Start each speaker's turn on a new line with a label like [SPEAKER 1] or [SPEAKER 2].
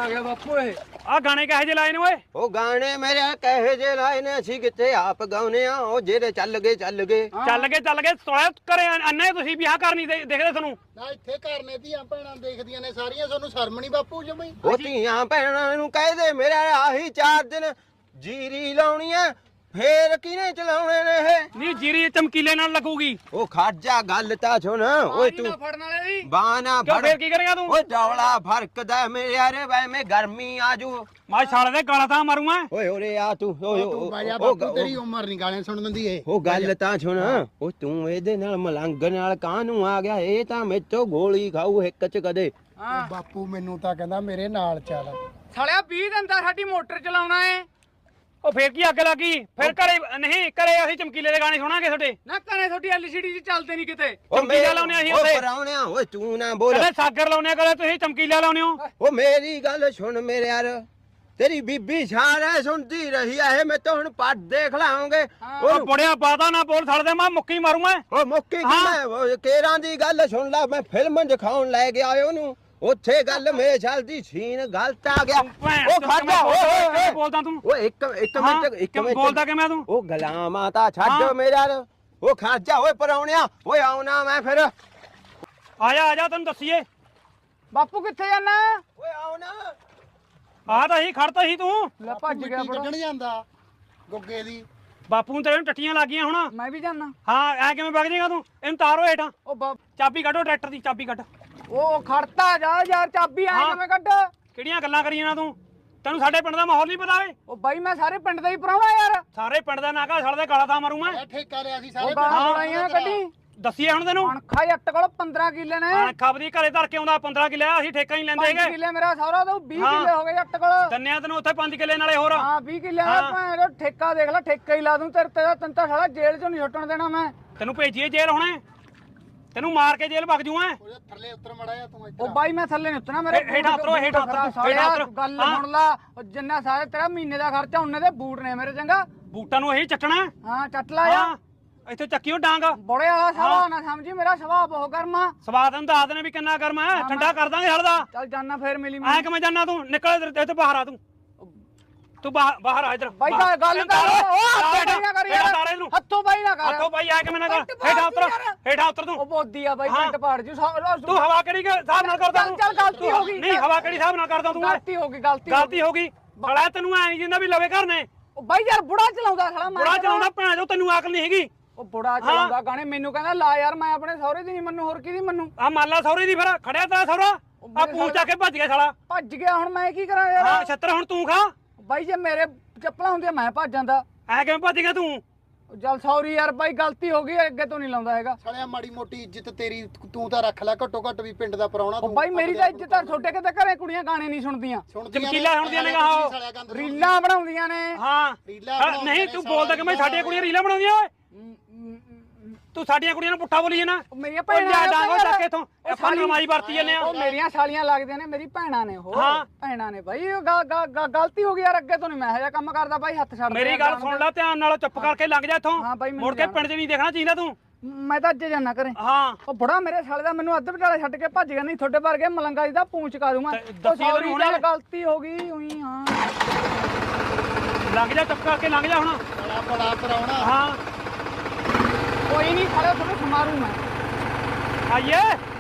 [SPEAKER 1] ਆ ਗਿਆ ਬਾਪੂ ਇਹ
[SPEAKER 2] ਆ ਗਾਣੇ ਕਹੇ ਜੇ ਲਾਏ ਨੇ ਓਏ
[SPEAKER 3] ਉਹ ਗਾਣੇ ਮੇਰੇ ਕਹੇ ਜੇ ਲਾਏ ਨੇ ਅਸੀਂ ਕਿੱਥੇ ਆਪ ਗਾਉਨੇ ਆ ਉਹ ਜਿਹੜੇ ਚੱਲ ਗਏ
[SPEAKER 2] ਚੱਲ ਗਏ ਤੋਲੇ ਘਰੇ ਅੰਨੇ ਤੁਸੀਂ ਵਿਆਹ ਕਰਨੀ ਦੇਖਦੇ ਤੁਹਾਨੂੰ
[SPEAKER 1] ਨਾ ਇੱਥੇ ਕਰਨੇ ਧੀਆਂ ਭੈਣਾਂ ਦੇਖਦੀਆਂ ਨੇ ਸਾਰੀਆਂ ਤੁਹਾਨੂੰ ਸ਼ਰਮ ਨਹੀਂ ਬਾਪੂ ਜਮਈ
[SPEAKER 3] ਉਹ ਧੀਆਂ ਭੈਣਾਂ ਨੂੰ ਕਹਿ ਦੇ ਮੇਰੇ ਆਹੀ 4 ਦਿਨ ਜੀਰੀ ਲਾਉਣੀ ਆ ਫੇਰ ਕਿਹਨੇ ਚਲਾਉਣੇ ਨੇ ਇਹ
[SPEAKER 2] ਨਹੀਂ ਜੀਰੀ ਚਮਕੀਲੇ ਨਾਲ ਲੱਗੂਗੀ
[SPEAKER 3] ਉਹ ਖਾਜਾ ਗੱਲ ਤਾਂ ਸੁਣ ਓਏ ਤੂੰ
[SPEAKER 1] ਫੜਨ ਵਾਲੇ ਦੀ
[SPEAKER 3] ਬਾਣਾ
[SPEAKER 2] ਕਿਉਂ
[SPEAKER 3] ਫੜ
[SPEAKER 2] ਫੇਰ ਕੀ ਕਰੇਗਾ ਤੂੰ
[SPEAKER 3] ਓਏ ਡੌਲਾ ਫਰਕਦਾ ਮੇਰੇ ਯਾਰੇ ਵੈ ਮੈਂ ਗਰਮੀ ਆਜੂ
[SPEAKER 2] ਮੈਂ ਸਾਲੇ ਦੇ ਗਾਲਾਂ ਤਾਂ ਮਾਰੂ ਮੈਂ
[SPEAKER 3] ਓਏ ਓਰੇ ਆ ਤੂੰ
[SPEAKER 1] ਤੂੰ ਬਾਜਾ ਬਾਪੂ ਤੇਰੀ ਉਮਰ ਨਹੀਂ ਗਾਣੇ ਸੁਣਨ ਦੀ ਇਹ
[SPEAKER 3] ਉਹ ਗੱਲ ਤਾਂ ਸੁਣ ਉਹ ਤੂੰ ਇਹਦੇ ਨਾਲ ਮਲੰਗ ਨਾਲ ਕਾਹਨੂੰ ਆ ਗਿਆ ਇਹ ਤਾਂ ਮੇਤੋਂ ਗੋਲੀ ਖਾਊ ਇੱਕ ਚ ਕਦੇ
[SPEAKER 1] ਬਾਪੂ ਮੈਨੂੰ ਤਾਂ ਕਹਿੰਦਾ ਮੇਰੇ ਨਾਲ ਚੱਲ
[SPEAKER 4] ਸਾਲਿਆ 20 ਦਿਨ ਦਾ ਸਾਡੀ ਮੋਟਰ ਚਲਾਉਣਾ ਏ
[SPEAKER 2] ਉਹ ਫੇਰ ਕੀ ਅੱਗ ਲੱਗੀ ਫੇਰ ਘਰੇ ਨਹੀਂ ਘਰੇ ਅਸੀਂ ਚਮਕੀਲੇ ਦੇ ਗਾਣੇ ਸੁਣਾਂਗੇ ਤੁਹਾਡੇ
[SPEAKER 4] ਨਾ ਘਰੇ ਤੁਹਾਡੀ ਐਲਸੀਡੀ 'ਚ ਚੱਲਦੇ ਨਹੀਂ ਕਿਤੇ
[SPEAKER 2] ਚਮਕੀਲਾ ਲਾਉਣੇ ਅਸੀਂ ਉੱਥੇ
[SPEAKER 3] ਪਰਾਉਣਿਆ ਓਏ ਤੂੰ ਨਾ ਬੋਲ
[SPEAKER 2] ਕਦੇ ਸਾਗਰ ਲਾਉਣੇ ਕਦੇ ਤੁਸੀਂ ਚਮਕੀਲਾ ਲਾਉਣੇ ਹੋ
[SPEAKER 3] ਉਹ ਮੇਰੀ ਗੱਲ ਸੁਣ ਮੇਰੇ ਯਾਰ ਤੇਰੀ ਬੀਬੀ ਸਾਰੇ ਸੁਣਦੀ ਰਹੀ ਆ ਇਹ ਮੈਂ ਤਾਂ ਹੁਣ ਪੱਟ ਦੇਖ ਲਾਉਂਗੇ
[SPEAKER 2] ਉਹ ਬੁੜਿਆ ਬਾਦਾ ਨਾ ਬੋਲ ਛੱਡ ਦੇ ਮੈਂ ਮੁੱਕੀ ਮਾਰੂ ਮੈਂ
[SPEAKER 3] ਉਹ ਮੁੱਕੀ ਕਿਵੇਂ ਕੇਰਾਂ ਦੀ ਗੱਲ ਸੁਣ ਲੈ ਮੈਂ ਫਿਲਮ ਦਿਖਾਉਣ ਲੈ ਗਿਆ ਉਹਨੂੰ ਉੱਥੇ ਗੱਲ ਮੇਰੇ ਸਾਲ ਦੀ ਸੀਨ ਗਲਤ ਆ ਗਿਆ ਉਹ ਖਾਜਾ ਓਏ
[SPEAKER 2] ਬੋਲਦਾ ਤੂੰ
[SPEAKER 3] ਓਏ ਇੱਕ ਮਿੰਟ
[SPEAKER 2] ਬੋਲਦਾ ਕਿਵੇਂ ਤੂੰ
[SPEAKER 3] ਉਹ ਗਲਾਮਾਂ ਤਾਂ ਛੱਡ ਮੇਰਾ ਉਹ ਖਾਜਾ ਓਏ ਪਰਾਉਣਿਆ ਓਏ ਆਉਣਾ ਮੈਂ ਫਿਰ
[SPEAKER 2] ਆ ਜਾ ਤੈਨੂੰ ਦੱਸੀਏ
[SPEAKER 4] ਬਾਪੂ ਕਿੱਥੇ ਜਾਣਾ
[SPEAKER 3] ਓਏ ਆਉਣਾ
[SPEAKER 2] ਆ ਤਾਂ ਹੀ ਖੜਤਾ ਸੀ ਤੂੰ
[SPEAKER 4] ਲੈ ਭੱਜ ਗਿਆ ਬੜਾ
[SPEAKER 1] ਕੱਢਣ ਜਾਂਦਾ ਗੁੱਗੇ ਦੀ
[SPEAKER 2] ਬਾਪੂ ਨੂੰ ਤੇਰੇ ਨੂੰ ਟੱਟੀਆਂ ਲੱਗ ਗਈਆਂ ਹੁਣ
[SPEAKER 4] ਮੈਂ ਵੀ ਜਾਣਾ
[SPEAKER 2] ਹਾਂ ਐ ਕਿਵੇਂ ਵਗ ਜਾਏਗਾ ਤੂੰ ਇਹਨੂੰ ਤਾਰੋ ਹੇਠਾਂ
[SPEAKER 4] ਉਹ
[SPEAKER 2] ਚਾਬੀ ਕੱਢੋ ਟਰੈਕਟਰ ਦੀ ਚਾਬੀ ਕੱਢ
[SPEAKER 4] ਉਹ ਖੜਤਾ ਜਾ ਯਾਰ ਚਾਬੀ ਆ ਕਿਵੇਂ ਕੱਢ
[SPEAKER 2] ਕਿਹੜੀਆਂ ਗੱਲਾਂ ਕਰੀਆਂ ਨਾ ਤੂੰ ਤੈਨੂੰ ਸਾਡੇ ਪਿੰਡ ਦਾ ਮਾਹੌਲ ਨਹੀਂ ਪਤਾ ਓਏ
[SPEAKER 4] ਉਹ ਬਾਈ ਮੈਂ ਸਾਰੇ ਪਿੰਡ ਦਾ ਹੀ ਪਰਾਉਣਾ ਯਾਰ
[SPEAKER 2] ਸਾਰੇ ਪਿੰਡ ਦਾ ਨਾਗਾ ਛੜ ਦੇ ਕਾਲਾ ਤਾਂ ਮਾਰੂ ਮੈਂ
[SPEAKER 1] ਠੇਕਾ ਲਿਆ ਸੀ
[SPEAKER 4] ਉਹ
[SPEAKER 1] ਸਾਰੇ
[SPEAKER 4] ਗਾਲਾਂ ਬਣਾਈਆਂ ਕੱਢੀ
[SPEAKER 2] ਦੱਸੀਏ ਹੁਣ ਤੈਨੂੰ
[SPEAKER 4] ਅਣਖਾ ਜੱਟ ਕੋਲ 15 ਕਿੱਲੇ ਨੇ
[SPEAKER 2] ਅਣਖਾ ਦੀ ਘਰੇ ਧਰ ਕੇ ਆਉਂਦਾ 15 ਕਿੱਲੇ ਅਸੀਂ ਠੇਕਾ ਹੀ ਲੈਂਦੇ
[SPEAKER 4] 5
[SPEAKER 2] ਹੈਗੇ
[SPEAKER 4] ਕਿੱਲੇ ਮੇਰਾ ਸਹੁਰਾ ਤਾਂ 20 ਕਿੱਲੇ ਹੋ ਗਏ ਜੱਟ ਕੋਲ
[SPEAKER 2] ਦੰਨਿਆ ਤੈਨੂੰ ਉੱਥੇ 5 ਕਿੱਲੇ ਨਾਲੇ ਹੋਰ
[SPEAKER 4] ਹਾਂ 20 ਕਿੱਲੇ ਦਾ ਭੈਣ ਠੇਕਾ ਦੇਖ ਲੈ ਠੇਕਾ ਹੀ ਲਾ ਦੂੰ ਤੇਰੇ ਤੇ ਤੈਨੂੰ ਤਾਂ ਸਾਲਾ ਜੇਲ੍ਹ ਚੋਂ ਨਹੀਂ ਛੁੱਟਣ ਦੇਣਾ ਮੈਂ
[SPEAKER 2] ਤੈਨੂੰ ਭੇਜੀਏ ਜੇਲ੍ਹ ਹੁਣੇ ਤੈਨੂੰ ਮਾਰ ਕੇ ਜੇਲ੍ਹ ਵਗ ਜੂ ਮੈਂ
[SPEAKER 1] ਉਹਦੇ ਥੱਲੇ ਉੱਤਰ ਮੜਾਇਆ ਤੂੰ
[SPEAKER 4] ਉਹ ਬਾਈ ਮੈਂ ਥੱਲੇ ਨਹੀਂ ਉਤਰਨਾ ਮੇਰੇ
[SPEAKER 2] ਹੇਠਾਂ ਉਤਰੋ, ਹੇਠਾਂ ਉਤਰੋ।
[SPEAKER 4] ਗੱਲ ਸੁਣ ਲਾ ਉਹ ਜਿੰਨਾ ਸਾਰੇ ਤੇਰਾ ਮਹੀਨੇ ਦਾ ਖਰਚਾ ਉਹਨੇ ਦੇ ਬੂਟ ਨੇ ਮੇਰੇ ਚੰਗਾ
[SPEAKER 2] ਬੂਟਾਂ ਨੂੰ ਇਹੀ ਚੱਟਣਾ
[SPEAKER 4] ਹਾਂ ਚੱਟ ਲਾ ਜਾ
[SPEAKER 2] ਹਾਂ ਇੱਥੇ ਚੱਕੀਓ ਡਾਂਗ
[SPEAKER 4] ਬੜੇ ਵਾਲਾ ਸਵਾ ਨਾ ਸਮਝੀ ਮੇਰਾ ਸੁਭਾਅ ਬਹੁਤ ਗਰਮਾ
[SPEAKER 2] ਸਵਾਦ ਨੂੰ ਦੱਸ ਦੇਣੇ ਵੀ ਕਿੰਨਾ ਗਰਮ ਹੈ ਠੰਡਾ ਕਰ ਦਾਂਗੇ ਹਲਦਾ
[SPEAKER 4] ਚੱਲ ਜਾਨਾ ਫੇਰ ਮਿਲੀ
[SPEAKER 2] ਐ ਕਿਵੇਂ ਜਾਨਾ ਤੂੰ ਨਿਕਲ ਇੱਥੇ ਬਾਹਰ ਆ ਤੂੰ ਬਾਹਰ ਆ ਇੱਧਰ
[SPEAKER 4] ਬਾਈ ਦਾ ਗੱਲ ਕਰ ਹੱਥੋਂ ਨਾ ਕਰ ਯਾਰ ਹੱਥੋਂ ਬਾਈ ਨਾ ਕਰ
[SPEAKER 2] ਹੱਥੋਂ ਬਾਈ ਐ ਕਿਵੇਂ ਨਾ ਕਰ ਹੇਠਾਂ ਉਤਰ ਤੂੰ
[SPEAKER 4] ਉਹ ਬੋਦੀ ਆ ਬਾਈ ਪਿੰਡ ਪਾੜ ਜੂ
[SPEAKER 2] ਤੂੰ ਹਵਾ ਕਿਹੜੀ ਹਿਸਾਬ ਨਾਲ ਕਰਦਾ ਤੂੰ
[SPEAKER 4] ਚੱਲ ਗਲਤੀ ਹੋ ਗਈ
[SPEAKER 2] ਨਹੀਂ ਹਵਾ ਕਿਹੜੀ ਹਿਸਾਬ ਨਾਲ ਕਰਦਾ ਤੂੰ
[SPEAKER 4] ਗਲਤੀ ਹੋ ਗਈ
[SPEAKER 2] ਗਲਤੀ ਹੋ ਗਈ ਬੜਾ ਤੈਨੂੰ ਐ ਨਹੀਂ ਜਿੰਦਾ ਵੀ ਲਵੇ ਘਰ ਨੇ
[SPEAKER 4] ਉਹ ਬਾਈ ਯਾਰ ਬੁੜਾ ਚਲਾਉਂਦਾ ਸਾਲਾ ਮੈਂ
[SPEAKER 2] ਬੁੜਾ ਚਲਾਉਂਦਾ ਭੈਣ ਜੋ ਤੈਨੂੰ ਅਕਲ ਨਹੀਂ ਹੈਗੀ
[SPEAKER 4] ਉਹ ਬੁੜਾ ਚਲਾਉਂਦਾ ਗਾਣੇ ਮੈਨੂੰ ਕਹਿੰਦਾ ਲਾ ਯਾਰ ਮੈਂ ਆਪਣੇ ਸਹੁਰੇ ਦੀ ਨਹੀਂ ਮੰਨੂ ਹੋਰ ਕਿਹਦੀ ਮੰਨੂ
[SPEAKER 2] ਆ ਮਾਲਾ ਸੌਰੇ ਦੀ ਫਿਰ ਖੜਿਆ ਤੇਰਾ ਸੌਰਾ ਆ ਪੂੰਛ ਚੱਕ ਕੇ ਭੱਜ ਗਿਆ ਸਾਲਾ
[SPEAKER 4] ਭੱਜ ਗਿਆ ਹੁਣ ਮੈਂ ਕੀ ਕਰਾਂ ਯਾਰ
[SPEAKER 2] ਹਾਂ ਛੱਤਰ ਹੁਣ ਤੂੰ ਖਾ
[SPEAKER 4] ਬਾਈ ਜੇ ਮੇਰੇ ਚੱਪਲਾਂ ਹੁੰਦੀਆਂ ਮੈਂ ਭੱਜ ਜਾਂਦਾ
[SPEAKER 2] ਐ ਕਿਵੇਂ ਭੱਜ ਗਿਆ ਤੂੰ
[SPEAKER 4] ਚੱਲ ਸੌਰੀ ਯਾਰ ਬਾਈ ਗਲਤੀ ਹੋ ਗਈ ਅੱਗੇ ਤੋਂ ਨਹੀਂ ਲਾਉਂਦਾ ਹੈਗਾ
[SPEAKER 1] ਸਾਲਿਆ ਮਾੜੀ ਮੋਟੀ ਇੱਜ਼ਤ ਤੇਰੀ ਤੂੰ ਤਾਂ ਰੱਖ ਲੈ ਘੱਟੋ ਘੱਟ ਵੀ ਪਿੰਡ ਦਾ ਪਰਾਉਣਾ
[SPEAKER 4] ਉਹ ਬਾਈ ਮੇਰੀ ਤਾਂ ਇੱਜ਼ਤ ਆ ਛੋਟੇ ਕਿਤੇ ਘਰੇ ਕੁੜੀਆਂ ਗਾਣੇ ਨਹੀਂ ਸੁਣਦੀਆਂ
[SPEAKER 2] ਚਮਕੀਲਾ ਸੁਣਦੀਆਂ ਨੇ ਆਹੋ
[SPEAKER 4] ਰੀਲਾਂ ਬਣਾਉਂਦੀਆਂ ਨੇ
[SPEAKER 2] ਹਾਂ ਨਹੀਂ ਤੂੰ ਬੋਲਦਾ ਕਿ ਮੈਂ ਸਾਡੀਆਂ ਕੁੜੀਆਂ ਰੀਲਾਂ ਬਣਾਉਂਦੀਆਂ ਓਏ ਤੂੰ ਸਾਡੀਆਂ ਕੁੜੀਆਂ ਨੂੰ ਪੁੱਠਾ ਬੋਲੀ ਜਾਣਾ
[SPEAKER 4] ਮੇਰੀਆਂ ਭੈਣਾਂ
[SPEAKER 2] ਡਾਂਗੋ ਚੱਕ ਇਥੋਂ ਆਪਾਂ ਨਮਾਈ ਵਰਤੀ ਜਾਂਦੇ ਆ
[SPEAKER 4] ਉਹ ਮੇਰੀਆਂ ਸਾਲੀਆਂ ਲੱਗਦੀਆਂ ਨੇ ਮੇਰੀ ਭੈਣਾਂ ਨੇ ਉਹ ਭੈਣਾਂ ਨੇ ਬਾਈ ਗਲਤੀ ਹੋ ਗਈ ਯਾਰ ਅੱਗੇ ਤੋਂ ਨਹੀਂ ਮੈਂ ਇਹੋ ਜਿਹਾ ਕੰਮ ਕਰਦਾ ਬਾਈ ਹੱਥ ਛੱਡ
[SPEAKER 2] ਮੇਰੀ ਗੱਲ ਸੁਣ ਲੈ ਧਿਆਨ ਨਾਲ ਚੁੱਪ ਕਰਕੇ ਲੰਘ ਜਾ ਇਥੋਂ ਮੁੜ ਕੇ ਪਿੰਡ 'ਚ ਨਹੀਂ ਦੇਖਣਾ ਚਾਹੀਦਾ ਤੂੰ
[SPEAKER 4] ਮੈਂ ਤਾਂ ਅੱਜ ਜਾਣਾ ਕਰੇ
[SPEAKER 2] ਹਾਂ
[SPEAKER 4] ਉਹ ਬੜਾ ਮੇਰੇ ਸਾਲੇ ਦਾ ਮੈਨੂੰ ਅੱਧ ਵਿਚਾਲੇ ਛੱਡ ਕੇ ਭੱਜ ਗਿਆ ਨਹੀਂ ਤੁਹਾਡੇ ਵਰਗੇ ਮਲੰਗਾ ਜੀ ਦਾ ਪੂੰਛ ਕਾ ਦੂੰ ਮੈਂ ਸੌਰੀ ਚੱਲ ਗਲਤੀ ਹੋ ਗਈ ਉਹੀ ਹਾਂ
[SPEAKER 2] ਲੰਘ ਜਾ ਚੁੱਪ ਕਰਕੇ ਲੰਘ ਜਾ ਹੁਣ
[SPEAKER 1] ਬੜਾ ਪਰਾਉਣਾ
[SPEAKER 2] ਹਾਂ
[SPEAKER 4] ਕੋਈ ਨਹੀਂ ਖੜੇ ਤੁਹਾਨੂੰ ਸਮਾਰੂ ਮੈਂ
[SPEAKER 2] ਆਈਏ